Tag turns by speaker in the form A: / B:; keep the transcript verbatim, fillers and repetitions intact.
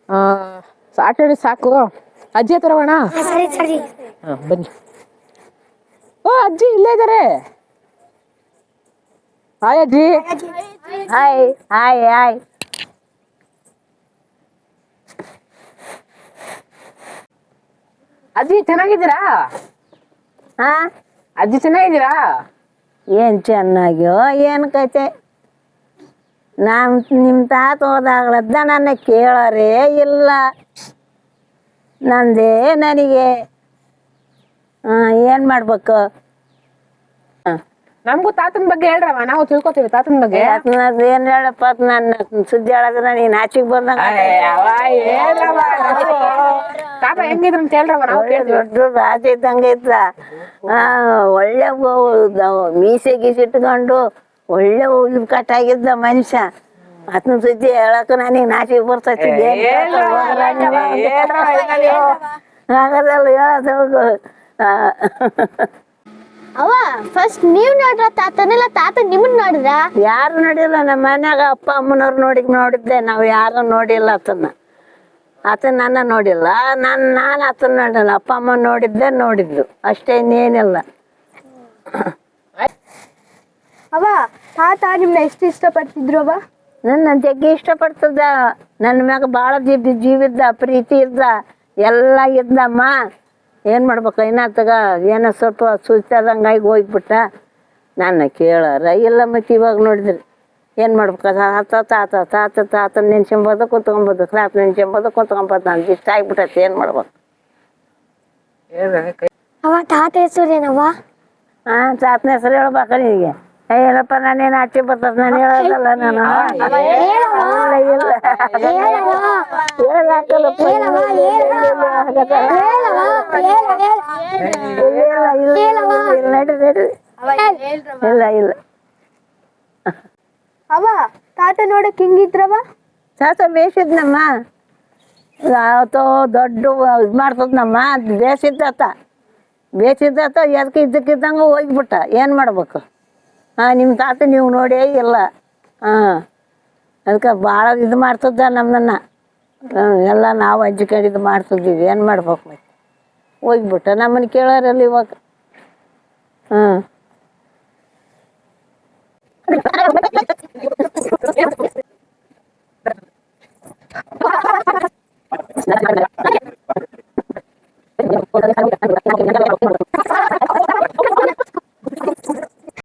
A: ಆಟ ಆಡಿ ಸಾಕು. ಅಜ್ಜಿ ಹತ್ರ ಹೋಗೋಣ.
B: ಸರಿ ಸರಿ
A: ಹಾಂ ಬನ್ನಿ. ಓ ಅಜ್ಜಿ ಇಲ್ಲೇ ಇದ್ದಾರೆ. ಹಾಯ್ ಅಜ್ಜಿ.
C: Hi hi hi.
A: ಅಜ್ಜಿ ಚೆನ್ನಾಗಿದ್ದೀರಾ?
C: ಹಾ
A: ಅಜ್ಜಿ ಚೆನ್ನಾಗಿದ್ದೀರಾ?
C: ಏನು ಚೆನ್ನಾಗ್ಯೋ ಏನು ಕತೆ. ನಾನು ನಿಮ್ಮ ತಾತ ಹೋದಾಗ್ಲದ್ದ ನನ್ನ ಕೇಳೋರೇ ಇಲ್ಲ. ನಂದೇ ನನಗೆ ಹಾಂ ಏನು ಮಾಡ್ಬೇಕು? ಹಾಂ
A: ನಮಗೂ ತಾತನ ಬಗ್ಗೆ ಹೇಳ್ರವ, ನಾವು ತಿಳ್ಕೊತೀವಿ ತಾತನ ಬಗ್ಗೆ.
C: ಏನು ಹೇಳಪ್ಪ, ನನ್ನ ಸುದ್ದಿ ಹೇಳಿದ್ರೆ ನೀನು ಆಚೆಗೆ ಬಂದಂಗ.
A: ಹೇಳ್ರವ, ತಾತ ಹೆಂಗಿದ್ರು ಅಂತ ಹೇಳ್ರವ, ನಾವು ಕೇಳ್ತೀವಿ.
C: ದೊಡ್ಡ ರಾಜ ಇದ್ದಂಗೆ ಇದ್ದ. ಒಳ್ಳೆ ಮೀಸೆ ಗೀಸಿಟ್ಕೊಂಡು ಒಳ್ಳೆ ಉಲ್ ಕಟ್ಟಾಗಿದ್ದ ಮನುಷ್ಯ. ಅದನ್ನ ಸುದ್ದಿ ಹೇಳಕ್ ನನಗೆ ನಾಚಿಗೆ ಬರ್ತೈತಿ. ಹಾಗದಲ್ಲ ಹೇಳೋದು.
B: ಅವ ಫಸ್ಟ್ ನೀವ್ ನೋಡ್ರ ತಾತನೆಲ್ಲ ತಾತ ನಿಮ್ಮನ್ ನೋಡಿದ್ರ?
C: ಯಾರು ನೋಡಿಲ್ಲ. ನಮ್ಮ ಮನ್ಯಾಗ ಅಪ್ಪ ಅಮ್ಮನವ್ರು ನೋಡಿ ನೋಡಿದ್ದೆ, ನಾವು ಯಾರು ನೋಡಿಲ್ಲ ಆತನ. ಆತ ನನ್ನ ನೋಡಿಲ್ಲ, ನಾನು ನಾನು ಆತನ ನೋಡಿಲ್ಲ. ಅಪ್ಪ ಅಮ್ಮ ನೋಡಿದ್ದೆ ನೋಡಿದ್ಲು ಅಷ್ಟೇ, ಇನ್ನೇನಿಲ್ಲ.
B: ಅವ ತಾತ ನಿಮ್ನ ಎಷ್ಟು ಇಷ್ಟಪಡ್ತಿದ್ರು ಅವ?
C: ನನ್ನ ಜಗ್ಗಿ ಇಷ್ಟಪಡ್ತದ. ನನ್ನ ಮ್ಯಾಗ ಭಾಳ ಜೀವಿ ಜೀವಿದ್ದ, ಪ್ರೀತಿ ಇದ್ದ, ಎಲ್ಲ ಇದ್ದಮ್ಮ. ಏನು ಮಾಡ್ಬೇಕು, ಇನ್ನತ್ತಗ ಏನೋ ಸ್ವಲ್ಪ ಸುಸ್ತಾದಂಗಾಗಿ ಹೋಗ್ಬಿಟ್ಟ. ನನ್ನ ಕೇಳಾರ ಇಲ್ಲ. ಮತ್ತು ಇವಾಗ ನೋಡಿದ್ರಿ ಏನು ಮಾಡ್ಬೇಕು, ತಾತ ತಾತ ತಾತ ತಾತ ನೆನ್ಸ್ಕೊಂಬೋದು ಕುತ್ಕೊಬೋದು, ತಾತ ನೆನ್ಸ್ಕೊಂಬೋದು ಕುತ್ಕೊಬೋದು. ನನ್ಗೆ ಇಷ್ಟ ಆಗ್ಬಿಟ್ಟೈತಿ, ಏನು ಮಾಡ್ಬೇಕು?
B: ಅವ ತಾತ ಹೆಸರೇನವ?
C: ಹಾಂ ತಾತನ ಹೆಸರು ಹೇಳ್ಬೇಕ ನಿನಗೆ? ಏನಪ್ಪ, ನಾನೇನು ಆಚೆ ಬರ್ತದ, ನಾನು ಹೇಳೋದಲ್ಲ. ನಾನು ಇಲ್ಲ ಇಲ್ಲ ಹೇಳಕ್ಕಾಗಲ್ಲಪ್ಪ. ಇಲ್ಲ ಇಲ್ಲ.
B: ಅವ ತಾತ ನೋಡಕ್ ಹಿಂಗಿದ್ರವ?
C: ತಾತ ಬೇಸಿದ್ನಮ್ಮ. ಆತೋ ದೊಡ್ಡ ಇದು ಮಾಡ್ತದನಮ್ಮ. ಬೇಸಿದ್ದಾತ ಬೇಸಿದ್ದಾತ ಎದಕ್ಕೆ ಇದ್ದಕ್ಕಿದ್ದಂಗೆ ಹೋಗ್ಬಿಟ್ಟ. ಏನು ಮಾಡ್ಬೇಕು? ಹಾಂ ನಿಮ್ಮ ತಾತ ನೀವು ನೋಡೇ ಇಲ್ಲ. ಹಾಂ ಅದಕ್ಕೆ ಭಾಳ ಇದು ಮಾಡ್ತಿದ್ದ ನಮ್ಮನ್ನ. ಎಲ್ಲ ನಾವು ಅಜ್ಜಿ ಕಡೆ ಇದು ಮಾಡ್ತಿದ್ದೀವಿ. ಏನು ಮಾಡ್ಬೇಕು? ಮತ್ತೆ ಹೋಗ್ಬಿಟ್ಟ. ನಮ್ಮನ್ನು ಕೇಳೋರಲ್ಲ ಇವಾಗ. ಹಾಂ